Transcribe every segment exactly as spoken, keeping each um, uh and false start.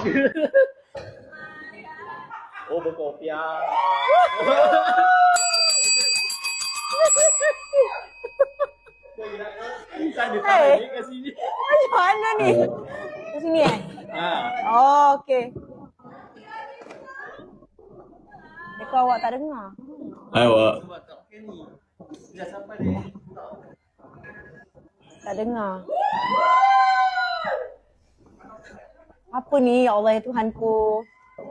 Oh, berkopiah. Tak ada tangan ni kat sini. Macam mana ni? Kat sini eh? Ha. Oh, okey. Dekor awak tak dengar. Hai awak. Sebab tak pakai ni. Dah sampai dia. Tak dengar. Apa ni ya Allah ya Tuhanku?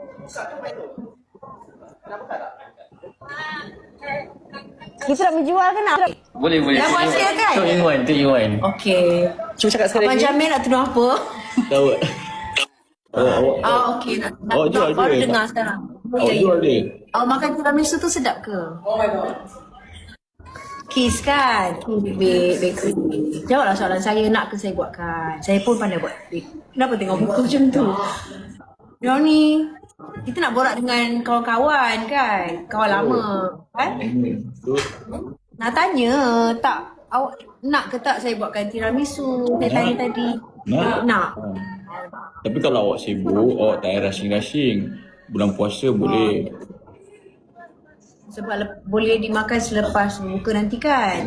Kita nak menjual ke nak? Boleh, boleh. Dah buat sale kan? Two in one, two in one. Okey. Cuba cakap sekali Abang lagi. Jamil nak tuduh apa? Tahu tak? Awak, awak, Ah, okey. Nak, nak Awak jual baru dia? dengar sekarang. awak jual dia? Awak makan tiramisu tu sedap ke? Oh my god. Kiss kan? Kiss bake, bakery. Jawablah soalan saya, nak ke saya buatkan? Saya pun pandai buat bake. Kenapa tengok muka macam tu? Diorang ni, kita nak borak dengan kawan-kawan kan? Kawan lama. Kan? Tu. Nak tanya, tak awak nak ke tak saya buatkan tiramisu? Saya tanya tadi. Nak? Nak. Ha. Tapi kalau awak sibuk, awak tak payah rushing-rushing. Bulan puasa boleh. Sebab le- boleh dimakan selepas buka nanti kan?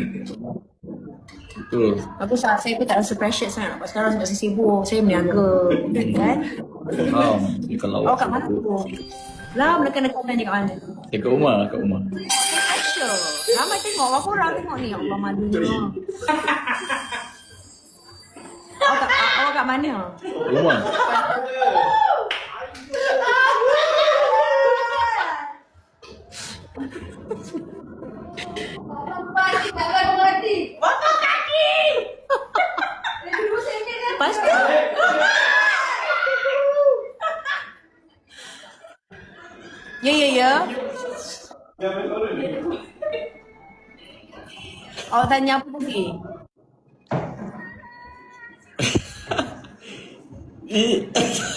Betul. Bagus lah, saya pun tak rasa pressure sangat. Sebab sekarang sebab saya sibuk, saya meniaga kan? Faham. Jadi kalau Awak awak kat mana sibuk. tu? Lah, menekan-nekan tanya kat mana? Saya kat rumah, kat rumah. Pressure. Ramai tengok, berapa orang tengok ni? Allah malunya. Awak kat, awak kat mana? Rumah. Lepas tu? Ya, ya, ya. Awak tanya apa lagi? Eh,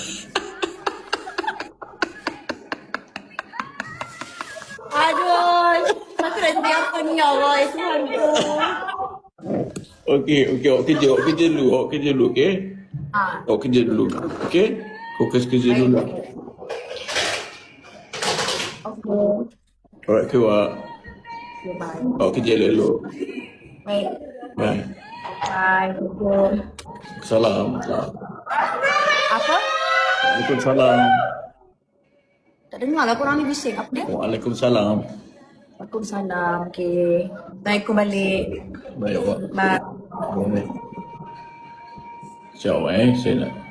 Aduh, aku nak jadi apa ni ya Allah, ya Tuhanku. Okey, okey, awak kerja, awak kerja dulu, awak kerja dulu, okey? Ah, Awak kerja dulu, okey? Fokus kerja dulu. okay. Alright, ke awak? Okay, bye. Awak kerja elok-elok. Baik. Bye. Bye. Okay. Salam. Apa? Waalaikumsalam. Tak dengar lah korang ni bising. Apa dia? Waalaikumsalam. Waalaikumsalam. Okay. Assalamualaikum balik. Baik awak. Bye. Baik. Sekejap awak eh, saya nak